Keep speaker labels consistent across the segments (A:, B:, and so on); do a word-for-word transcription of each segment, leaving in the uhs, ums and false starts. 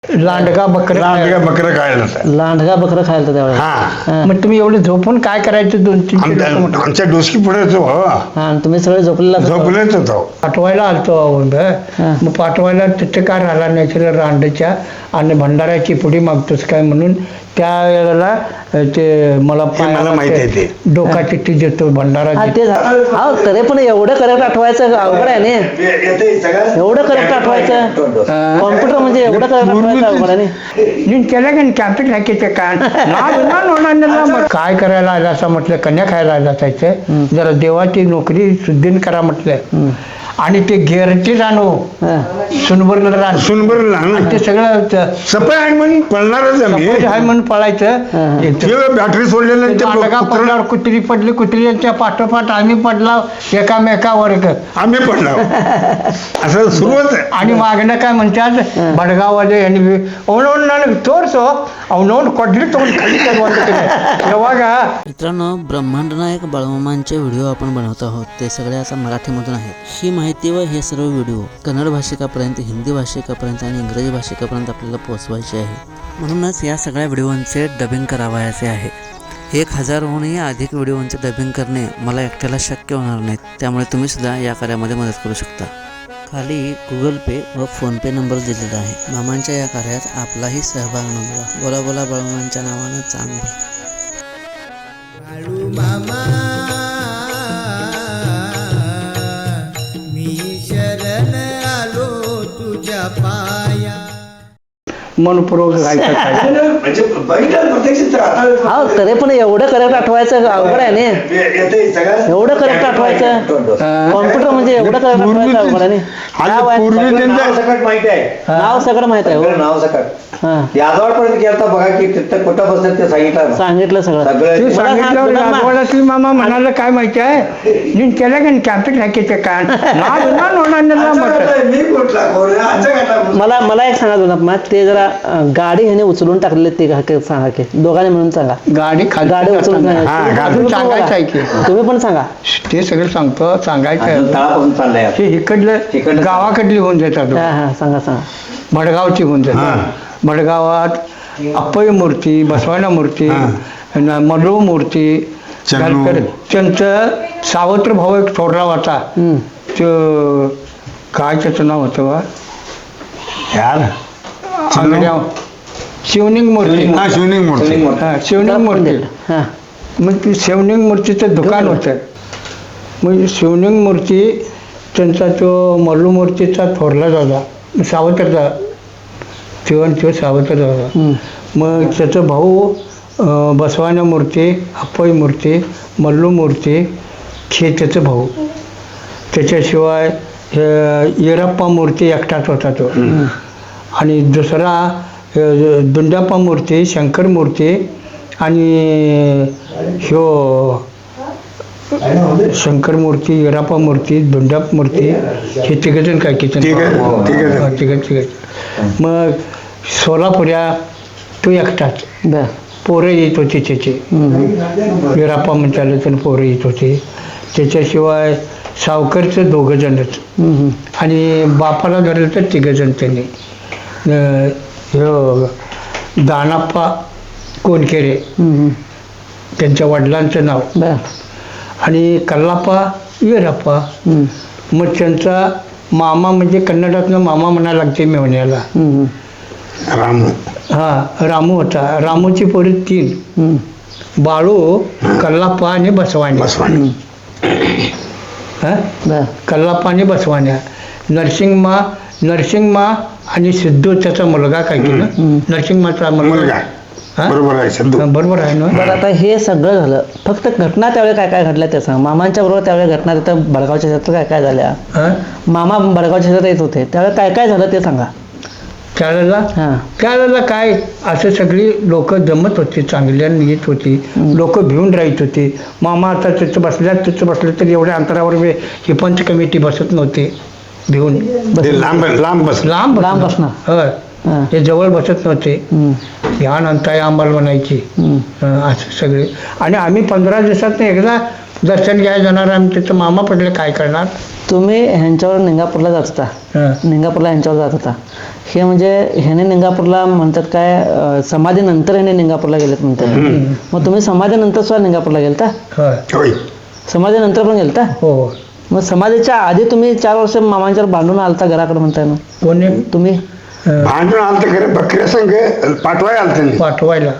A: लांडगा बकरं
B: लांडगा बकरं खायला होतं.
C: लांडगा बकरं खायला त्यावेळेस.
B: हा
A: मग तुम्ही एवढे झोपून काय करायचं दोन तीन
B: आमच्या आमच्या डोसकी पुढे होतो हो.
C: हा आणि तुम्ही सगळे झोपलेला असाल.
B: झोपलेच होतो.
A: पाठवायला आलतो अहो
C: हा.
A: मग पाठवायला तिथे काय राहिला नाही तर रांडच्या आणि भंडाऱ्याची पुडी मागतोस काय म्हणून त्या वेळेला ते मला
B: हे मला माहिती आहे ते.
A: डोका चिठ्ठी देतो भंडारा
C: हा ते झा- हा तरी पण एवढं करेक्ट आठवायचं अवघड आहे ना. एवढं करेक्ट आठवायचं कॉम्प्युटर म्हणजे एवढं करेक्ट आठवायचं अवघड आहे ना.
A: నేను తెలగని క్యాపిటల్ హ్యాకేचे काय मग काय करायला आलं असं म्हटलं कन्या खायला आलं असायचं जरा देवाची नोकरी सुद्धीन करा म्हटलं आणि ते गेरचे रानो
C: हा.
A: सुनबरला रान
B: सुनबर लहान
A: ते सगळं
B: सपय आहे म्हणून पळणारच आम्ही.
A: सपोज आहे म्हणून पळायचं
B: ते बॅटरी सोडलेलं आणि ते
A: लांडगा
B: कुत्रं-
A: पडल्यावर कुत्री पडली कुत्र्यांच्या पाठोपाठ आम्ही पडला एकामेकावर
B: आम्ही पडलो असं सुरुवात आहे.
A: आणि मागणं काय म्हणतात बडगाववाले यांनी ಅವನವನ್ನ ನನಗೆ ತೋರಿಸು ಅವನವನ್ನ ಕೊಡ್ಲಿ ತಗೊಂಡು खाली ಯಾವಾಗ
D: मित्रांनो, ब्रह्मांड नायक बाळमामांचे व्हिडिओ आपण बनवत आहोत. ते सगळे आता मराठीमधून आहेत. ही माहिती व हे सर्व व्हिडिओ कन्नड भाषिकापर्यंत, हिंदी भाषिकापर्यंत आणि इंग्रजी भाषिकापर्यंत आपल्याला पोहोचवायचे आहे. म्हणूनच या सगळ्या व्हिडिओंचे डबिंग करावयाचे आहे. एक हजारहूनही अधिक व्हिडिओंचे डबिंग करणे मला एकट्याला शक्य होणार नाहीत. त्यामुळे तुम्ही सुद्धा या कार्यामध्ये मदत करू शकता. खाली गुगल पे व फोनपे नंबर दिलेला आहे. मामांच्या या कार्यात आपलाही सहभाग नोंदवा. बोला बोला बाळमामांच्या नावानं चांगलं.
E: मामा मी शरण आलो तुझ्या पाया.
A: मनपूर्वक गायचं काय
F: म्हणजे बघितलं प्रत्यक्ष
C: हा तरी पण एवढं करेक्ट आठवायचं अवघड आहे ना. एवढं करेक्ट आठवायचं कॉम्प्युटर म्हणजे एवढं करेक्ट आठवायचं अवघड आहे
B: आणि
C: ना.
B: पूर्वी त्यांचं
F: सकट माहिती आहे.
C: नाव सगळं माहित आहे हो.
F: सगळं नाव सकट
C: हा.
F: यादवाड पर्यंत गेलता बघा की तिथं कुठं बसत ते सांगितलं
C: सांगितलं सगळं.
F: सगळं
A: ते
C: मला सांग,
A: सांगितल्यावर
C: तुला मा-
A: राजवाड्यातली मामा म्हणाला काय माहिती आहे నేను తెలగని క్యాపిటల్ హ్యాకేचे काय
F: मी कुठला कोण आजच्या घटना
C: मला मला एक सांगा दोन मग ते जरा अं, गाडी ह्याने उचलून टाकले ते का- के- सांगा की दोघांनी म्हणून सांगा.
A: गाडी खाली
C: गाडी उचलून
B: हा,
C: तुम्ही
B: गाडी
C: पण
A: सांगायचं आहे
C: बोला.
A: की.
C: तुम्ही पण सांगा.
A: ते सगळं सांगतो सांगायचं
F: अजून
A: आहे.
F: तळापासून चाललंय
A: हे इकडलं
F: इकडलं
A: गावाकडली होऊन जातात
C: हा हा सांगा सांगा.
A: भडगावची होऊन जातात भडगावात अप्पय मूर्ती बसवाना मूर्ती न- मडू मूर्ती
B: चन्नू.
A: घालकर त्यांचं सावत्र भाऊ एक थोरला होता
C: हम्म.
A: तो काय त्याचं नाव होतं बा
B: यार
A: आंगड्या शिवलिंग मूर्ती
B: हा शिवलिंग मूर्ती.
A: हा शिवलिंग मूर्ती
C: हा.
A: मग ती शिवलिंग मूर्तीचं दुकान होतं मग शिवलिंग मूर्ती त्यांचा तो मल्लू मूर्तीचा थोरला दादा सावत्रचा शिवण तो सावत्र दादा
C: हम्म.
A: मग त्याचं भाऊ अं, बसवाना मूर्ती अप्पई मूर्ती मल्लू मूर्ती हे त्याचं भाऊ त्याच्याशिवाय अं, येरप्पा मूर्ती एकटाच होता तो आणि दुसरा अं, दुंडाप्पा मूर्ती शंकर मूर्ती आणि ह्यो शंकर मूर्ती येराप्पा मूर्ती दुंडाप मूर्ती हे तिघजण काय किचन
B: तिघं- तिघं-
A: तिघ तिघ मग सोलापुऱ्या तो एकटाच
C: बर.
A: पोरं येत होती त्याची येराप्पा म्हणताले तर पोरं येत होती त्याच्याशिवाय सावकरचं दोघं जणच
C: हम्म, हम्म.
A: आणि बापाला धरलं तर तिघजण त्यांनी अं, ह्यो दानाप्पा कोणकेरे
C: हम्म, हम्म.
A: त्यांच्या वडिलांचं नाव
C: बर.
A: आणि कल्लाप्पा येराप्पा
C: हम्म,
A: मग त्यांचा मामा म्हणजे कन्नडातनं मामा म्हणायला लागते मेवण्याला
C: हम्म, हम्म.
B: रामू
A: हा रामू होता रामूची पोरी तीन
C: हम्म.
A: बाळू कल्लाप्पा आणि बसवाणी
B: बसवानी.
A: हा
C: बर.
A: कल्लाप्पा आणि बसवाण्या नरसिंगमा नरसिंगमा आणि सिद्धू त्याचा मुलगा काय की ना नरसिंगमाचा
B: मुलगा
A: मुलगा हा?
B: बरोबर आहे सिद्धू.
A: हा, बरोबर आहे ना
C: बरं आता हे सगळं झालं फक्त घटना त्यावेळी काय काय घडल्या ते सांग. मामांच्या बरोबर त्यावेळी घटना तिथं भडगावच्या शेतात काय काय झाल्या.
A: हा?
C: मामा भडगावच्या शेतात येत होते त्यावेळी काय काय झालं ते सांगा.
A: त्यावेळेला
C: हां.
A: त्यावेळेला काय असं सगळी लोक जमत होती चांगल्यानं येत होती लोक भिवून राहत होती मामा आता तिथं बसल्या तिथं बसलं तर एवढ्या अंतरावर वे- ही पंच कमिटी बसत नव्हते भिवून
B: ते लांब लांब बस
A: लांब
C: लांब
A: बसणार.
C: बसणार.
A: होय
C: हां.
A: ते जवळ बसत नव्हते
C: हम्म,
A: ह्या नंतर आंबाल म्हणायची
C: हम्म.
A: हं, असं सगळे आणि आम्ही पंधरा दिवसात एकदा दर्शन घ्यायला जाणार आम्ही तिथं मामा पडले काय करणार.
C: तुम्ही ह्यांच्यावर निंगापूरला जात होता,
A: हं.
C: निंगापूरला ह्यांच्यावर जात होता. हे म्हणजे ह्याने निंगापूरला म्हणतात काय अं, समाधीनंतर ह्याने निंगापूरला गेलेत म्हणतात. मग तुम्ही समाधीनंतर सुद्धा निंगापूरला गेलता?
A: होय.
B: होय.
C: समाधीनंतर पण गेलता?
A: हो हो.
C: मग समाधीच्या आधी तुम्ही चार वर्ष मामांच्यावर भांडून आलता घराकडे म्हणताय ना
A: कोणी
C: तुम्ही?
A: हं,
B: भांडून आलं तर खरं बकऱ्या संघ पाठवाय आलं त्यांनी.
A: पाठवायला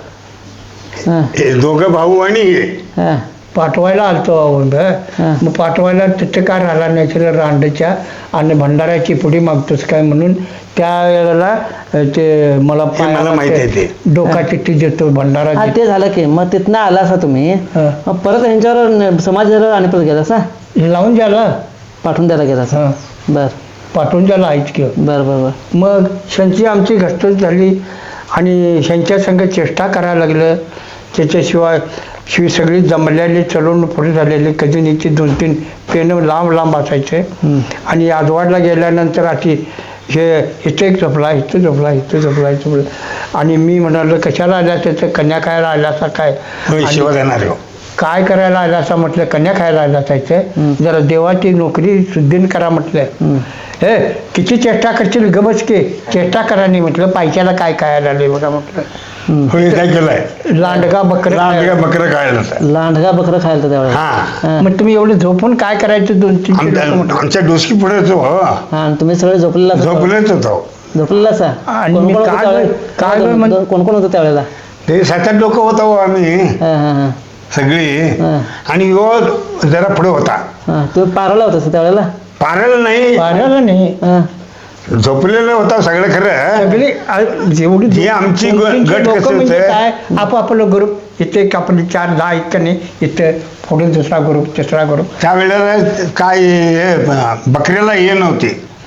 C: हां
B: हे दोघं भाऊ आणि हे
C: हां
A: पाठवायला आलतो अहो.
C: हां.
A: मग पाठवायला तिथे काय राहिला नाही तर रांडच्या आणि भंडाऱ्याची पुढी मागतोस काय म्हणून त्या वेळेला अ, ते मला
B: हे मला माहित आहे ते.
A: डोका चिठ्ठी देतो भंडारा
C: हा
A: देतो.
C: ते झालं की मग तिथनं आला असा तुम्ही,
A: हां.
C: मग परत ह्यांच्यावर न- समाधीवर आणि परत गेला असा
A: लावून द्याला.
C: पाठवून द्यायला गेला असा.
A: हां.
C: बर
A: पाठवून द्याला आहेच की.
C: बर बर बर
A: मग शंची आमची घसटच झाली आणि शंच्या संग चेष्टा करायला लागलं. त्याच्याशिवाय शिवी सगळी जमलेली चलवून पुढे झालेली कधी नीची दोन तीन पेनं लांब लांब असायचे.
C: हम्म.
A: आणि आजवाडला गेल्यानंतर अशी हे इथे एक झोपला इथं झोपला इथं झोपला इथं झोपला आणि मी म्हणालो कशाला आल्या त्याचं कन्या खायला आला असा काय
B: होय,
A: आणि
B: शिवा देणार हो.
A: काय करायला आला असा म्हटलं कन्या खायला आला असायचं जरा देवाची नोकरी सुद्धीन करा म्हटलं. हे किती चेष्टा करशील गबस की चेष्टा करा नाही म्हटलं पैशाला काय खायला आले बघा म्हटलं.
B: होय काय केलंय
A: लांडगा बकरा
B: लांडगा बकरं खायला होतं.
C: लांडगा बकरं खायला त्यावेळेला.
B: हा
C: हां.
A: मग तुम्ही एवढं झोपून काय करायचं दोन तीन
B: आमच्या आमच्या डोसकी पुढेच हो
C: हां आणि तुम्ही सगळे झोपलेला असा?
B: झोपलेच होतो.
C: झोपलेला असा?
A: आणि
C: कोण
A: मी
C: कोण होतं
A: काय-
C: त्यावेळेला?
A: काय
C: कोण-
A: म्हण-
C: कोण कोण होतं त्यावेळेला?
B: ते सात आठ लोक होतो हो आम्ही
C: हां हां हां
B: सगळी
C: हां.
B: आणि यो जरा पुढे होता.
C: हां तुम्ही पाराला होता त्यावेळेला?
B: पारायला नाही
A: पाण्याला नाही
C: हां
B: झोपलेलं होता सगळं खरं.
A: सगळी आ- जेवढी
B: ही आमची ग-
A: दोन-तीनशे
B: गट
A: लोकं
B: कसं
A: म्हणजे
B: होतं?
A: काय आपापलं ग्रुप इथे एक आपले चार दहा आहेत का नाही इथं पुढे दुसरा ग्रुप तिसरा ग्रुप
B: त्या वेळेला काय हे, बकऱ्याला हे नव्हते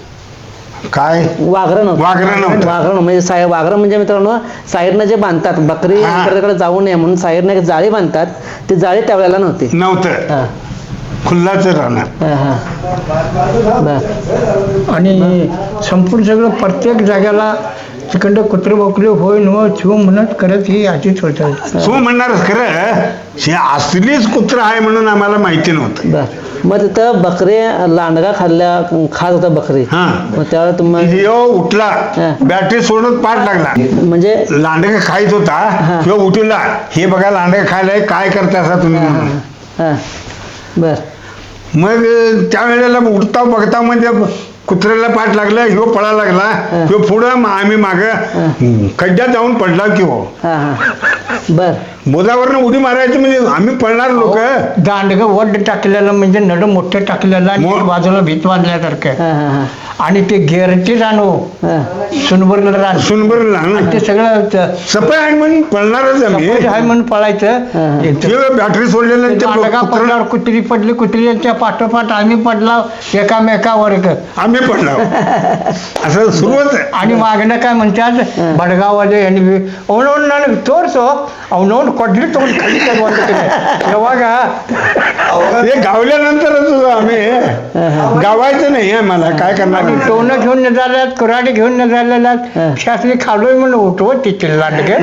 B: काय
C: वाघरं नव्हतं.
B: वाघरं नव्हतं.
C: वाघरं म्हणजे साय वाघरं म्हणजे मित्रांनो साईडनं जे बांधतात बकरी
B: हां.
C: इकडे जाऊ नये म्हणून साईडनं एक जाळी बांधतात, ती जाळी त्यावेळेला नव्हती.
B: नव्हतं
C: हां
B: खुल्लाच राहणार.
C: हां हां बर
A: आणि संपूर्ण सगळं प्रत्येक जाग्याला तिकडं कुत्रे बोकरे होय न शिव म्हणत करत ही अशीच होतं.
B: तू म्हणणारच खरं हे असलीच कुत्र आहे म्हणून आम्हाला माहिती नव्हतं.
C: बर मग तिथं बकरी लांडगा खाल्ल्या खात होता बकरी.
B: हा
C: मग त्यावेळेला तुम्ही
B: ह्यो उठला
C: हां.
B: बॅटरी सोडून पाठ लागला.
C: म्हणजे
B: लांडगा खायच होता
C: हां.
B: ह्यो उठला हे बघा लांडगा खायलाय काय करता असा तुम्ही म्हणून.
C: हां बर
B: मग त्या वेळेला उठता बघता म्हणजे कुत्र्याला पाठ लागला ह्यो पळा लागला ह्यो पुढं मग आम्ही माग खड्ड्यात जाऊन पडला की हो
C: हां हां बर
B: बोधावरनं उडी मारायची म्हणजे आम्ही पडणार लोक.
A: दांडगं वड टाकलेलं म्हणजे नड मोठं टाकलेलं आणि
B: मो-
A: एक बाजूला भीत बांधल्यासारखं
C: हां हां हां
A: आणि ते गेरची रानो
C: हां
A: सुनबरलं रान
B: सुनबर
A: आणि ते सगळं त-
B: सपय आहे म्हणून पळणारच आम्ही.
A: सपोज आहे म्हणून पळायचं
C: हां.
A: इथं.
B: ह्यो बॅटरी सोडलेलं
A: ते
B: ते
A: दांडगा
B: कुत्रं-
A: पडल्यावर कुत्री पडली कुत्रीच्या पाठोपाठ आम्ही पडला एकामेकावर
B: आम्ही पडलो असं सुरुवात आहे.
A: आणि मागणं काय म्हणतात बडगाववाले यांनी औनवून तोरसो औनवून कोडली तोंड खाली तेव्हा का
B: ते गावल्यानंतरच आम्ही गावायचं नाही आहे मला काय करणार.
A: आणि टोनं घेऊन न झाल्यात कुऱ्हाडी घेऊन न झालेल्यात शास्त्री खालोय म्हणून उठवत तिथे लांडगे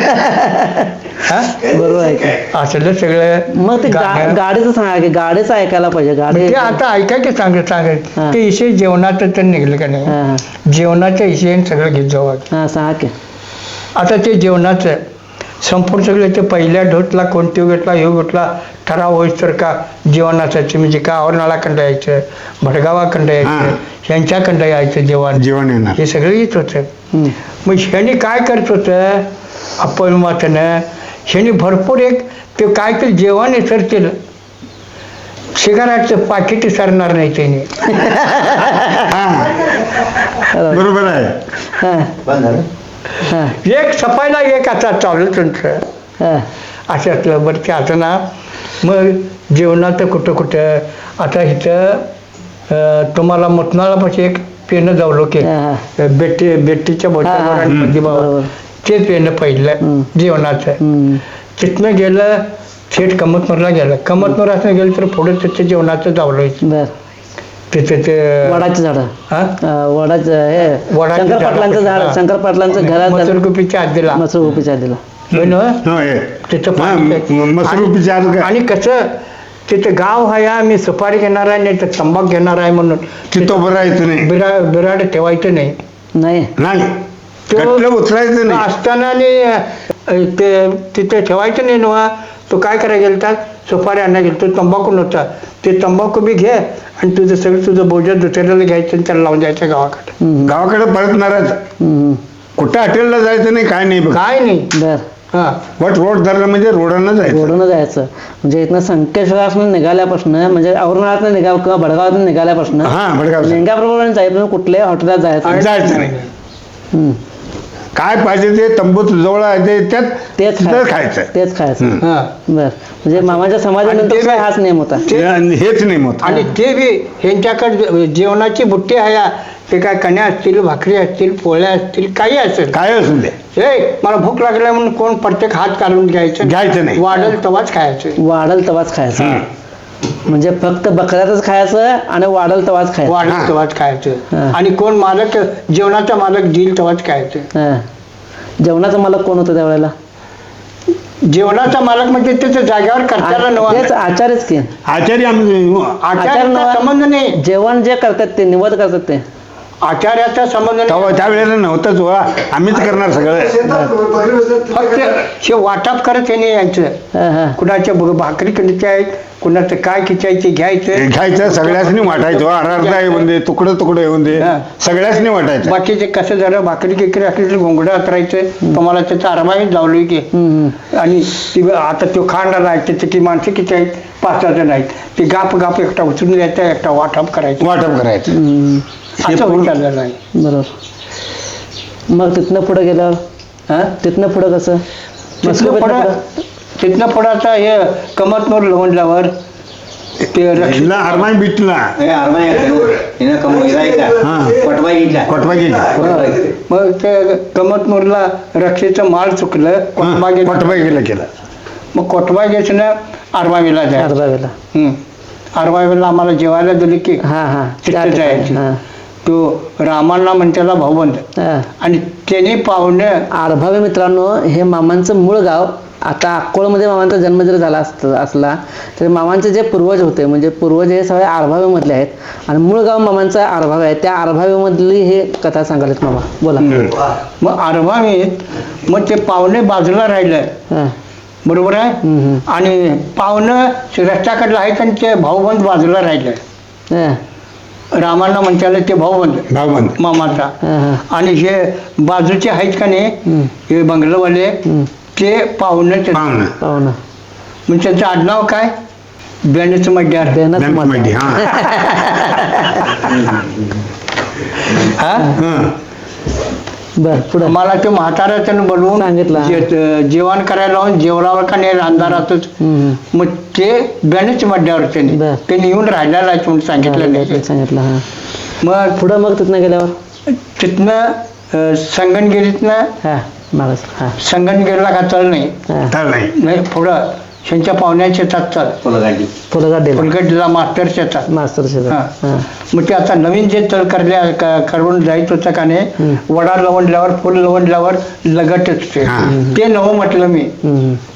C: बरोबर आहे की.
A: असलं सगळं
C: मग ते गा-
A: गाणं.
C: गाडीचं सांगा की गाडीचं ऐकायला पाहिजे गाडी.
A: ते आता ऐका की सांगत सांगत
C: हां.
A: ते इशे जेवणाचं तर निघलं का नाही
C: हां हां
A: जेवणाच्या इशेने सगळं घेत जावं
C: हां सांगा की.
A: आता ते जेवणाचं संपूर्ण सगळं ते पहिल्या ढोतला कोणती घेतला ह्यो घेतला ठराव होईस तर का जेवण असायचं म्हणजे का औरनाळाखंड यायचं भडगावाखंड यायचं
B: हां.
A: ह्यांच्याखंड यायचं जेवण
B: जेवण येणार.
A: हे सगळं येत होतं.
C: हम्म.
A: मग ह्याने काय करत होतं अपयमातनं ह्याने भरपूर एक ते काय तर जेवण विसरतील सिगारेटचं पाकिट विसरणार नाही त्याने.
B: हा बरोबर आहे.
C: हां
F: बंद झालं.
C: हां
A: एक सफायला एक आता चालू तुमचं
C: हां
A: अशातलं बरं ते आता ना मग जेवणाचं कुठं कुठं आता इथं अं, तुम्हाला मुतनाळापाशी एक पेनं जावलो की
C: हां, हां.
A: बेटी बेटीच्या
C: हां, हां.
A: बोटावर
C: हम्म,
A: भावा
C: बरोबर.
A: ते पेनं पहिलं
C: हम्म.
A: जेवणाचं
C: हम्म.
A: तिथनं गेलं थेट कमतनूरला गेलं कमतनूर असं गेलं तर पुढे तिथे जेवणाचं जावलो
C: बर
A: तिथे ते
C: वडाची झाडं
A: हा
C: अं, वडाचं हे
A: वडाची
C: शंकर
A: झाडं.
C: पाटलांचं झाड
A: हां.
C: शंकर पाटलांचं घरात
A: मसूरगुपीच्या आजीला
C: मसूर उभीच्या दिला.
A: होय ना?
B: होय
A: तिथं
B: हा,
A: पाणी-
B: म- मसरूपीच्या आत का-
A: आणि कसं तिथे गाव आहे हा, मी सुपारी घेणार आहे नाही तर तंबाखू घेणार आहे म्हणून
B: तिथं उभं राहायचं नाही
A: बिरा बिराड ठेवायचं नाही.
C: नाही
B: नाही
A: तो-
B: गटलं उचलायचं नाही
A: असताना आणि अ, ते तिथे ठेवायचं नाही नव्हा. तो काय करायला गेलता सुपारी आणायला गेलो तो तंबाखू नव्हता. ते तंबाखू बी घे आणि तुझं सगळं तुझं बोजं दुसऱ्याला घ्यायचं आणि त्याला लावून जायचं गावाकडे.
C: हम्म,
B: गावाकडे परतणारच
C: हम्म,
B: कुठं हॉटेलला जायचं नाही काय नाही बघ
A: काय नाही.
C: बर
A: हा
B: वट रोड धरलं म्हणजे रोडानं जायचं
C: रोडनं जायचं म्हणजे इथनं संकेश्वरापासून निघाल्यापासून म्हणजे औरंगाबाद निघा किंवा भडगावातून निघाल्यापासून
B: हा भडगाव
C: लिंगाप्रमाणे जायचं कुठल्याही हॉटेलात जायचं
B: जायचं नाही
C: हम्म,
B: काय पाहिजे ते तंबूत जवळ आहे ते त्यात
C: तेच
B: तिथं खायचं
C: तेच खायचं
B: हम्म.
A: हा
C: बर म्हणजे मामाच्या
A: आणि
C: समाजानंतर
A: ते
C: काय हाच नियम होता
B: आणि हेच नाही मत
A: आणि ते बी ह्यांच्याकडे जेवणाची बुट्टी आहे. ते काय कण्या असतील भाकरी असतील पोळ्या असतील काही असेल
B: काय असू दे
A: हे मला भूक लागल्या म्हणून कोण प्रत्येक हात काढून घ्यायचं
B: घ्यायचं नाही.
A: वाढेल तवाच खायचं.
C: वाढल तवाच खायचं
B: हं.
C: म्हणजे फक्त बकऱ्यातच खायचं आणि वाढल तवाच खायचं
A: वाढेल
B: हा.
A: तवाच खायचं.
C: हा.
A: आणि कोण मालक जेवणाचा मालक देईल तवाच खायचं.
C: हं. जेवणाचा मालक कोण होतं त्यावेळेला
A: जेवणाचा मालक म्हणजे त्याच्या जागेवर करताना नवा
C: तेच आचार्यच की
B: आचार्य आम्ही
A: आचार्याचा
C: नवा-
A: संबंध नाही.
C: जेवण जे करतात ते निवड करतात ते
A: आचार्याचा संबंध नाही.
B: तेव्हा त्यावेळेला नव्हतंच वा आम्हीच करणार सगळं
A: फक्त हे वाटप करत हे नाही यायचं.
C: हं, हं.
A: कुणाच्या ब- भाकरी किती आहेत कुणाचं काय खिचायचे घ्यायचं.
B: घ्यायचं सगळ्यासनी वाटायचं अर्धा येऊन दे तुकडं तुकडं येऊन दे
A: हा.
B: सगळ्यासनी वाटायचं
A: बाकीचे कसं झालं भाकरी किकरी असली तर घोंगडं अतरायचं तुम्हाला त्याचा अरबाही जावलोय की.
C: हं,
A: आणि ती आता तो खांडाला आहे त्याची ती माणसं किती आहेत पाच सहा जण आहेत. ती गाप गाप एकटा उचलून द्यायचा एकटा वाटप करायचं
B: वाटप करायचं
C: हं. हं.
B: हे
A: असं
B: पूर्ण-
A: विचारलेलं आहे.
C: बरोबर मग तिथनं पुढे गेल्यावर
A: हा?
C: तिथनं पुढं कसं
A: तिथनं
C: मस्कोबीतनं
A: पुढं
C: पुढं?
A: तिथनं पुढं हे कमतनूर लवंडल्यावर ते रक्षित
B: हिला अरमाई बिटला कोटबा गेली
A: मग ते कमतनूरला रक्षेचं माळ चुकलं कोटबागे
B: कोटबा गेला केला
A: मग कोटबागेचं आरबावीला जाय
C: अर्धावेला
A: आरबावीला आम्हाला जेवायला दिली की
C: हा हा
A: तिथं जायची.
C: हा.
A: तो रामांना म्हणतेला भाऊबंद
C: हा.
A: आणि त्यांनी पाहुणे
C: आरभावे मित्रांनो हे मामांचं मूळ गाव आता अक्कोळमध्ये मामांचा जन्म जर झाला असत असला तर मामांचे जे पूर्वज होते म्हणजे पूर्वज हे सगळे आरभावेमधले आहेत आणि मूळ गाव मामांचा आरभावे आहे त्या आरभावेमधली हे कथा सांगायला मामा बोला
A: मग आरबावीत मग ते पाहुणे बाजूला राहिलं
C: हा.
A: बरोबर आहे.
C: हम्म, हम्म.
A: आणि पाहुणं रस्त्याकडलं आहेत आणि ते भाऊबंद बाजूला राहिलं.
C: हा.
A: रामांना म्हणताले ते भाऊबंद
B: भावबंद
C: हा,
A: मामाचा.
C: हा.
A: आणि हे बाजूचे आहेत का नाही
C: हम्म.
A: हे बंगलवाले
C: हम्म.
A: ते पाहुणे
B: पाहुणं
C: पाहुणं
A: मग त्याचं आडनाव काय बेणच मड्यार.
C: बेनच
B: बँक
C: मत.
B: मध्ये हा
A: हा
B: हं.
C: बर पुढं
A: मला ते म्हाताऱ्याचं बोलवून
C: सांगितलं.
A: जे- जेवण करायला लावून जेवणावर का नाही अंधारातच
C: हम्म,
A: मग ते बेणच मड्यावर त्यांनी
C: बर.
A: त्यांनी येऊन राहिलेला आहे म्हणून सांगितलं
C: हम्म.
A: नाही.
C: सांगितलं हा
A: मग
C: पुढं मग तिथनं गेल्यावर
A: तिथनं अं, संगणगिरीतनं
C: हा मागास हा
A: संगणगिरीला का चल नाही
C: हा
B: तर नाही
A: नाही पुढं त्यांच्या पाहुण्याच्या शेतात चल
C: फुलगाड दिला
A: फुलगडला मास्टर शेतात.
C: मास्तर शेजार
A: हा.
C: हा
A: मग ते आता नवीन जे तल करल्या क- करून जायचं होतं का नाही वडा लवंडल्यावर फुल लवंडल्यावर लगटच ते
B: हा.
A: ते नवं म्हटलं मी
C: हम्म.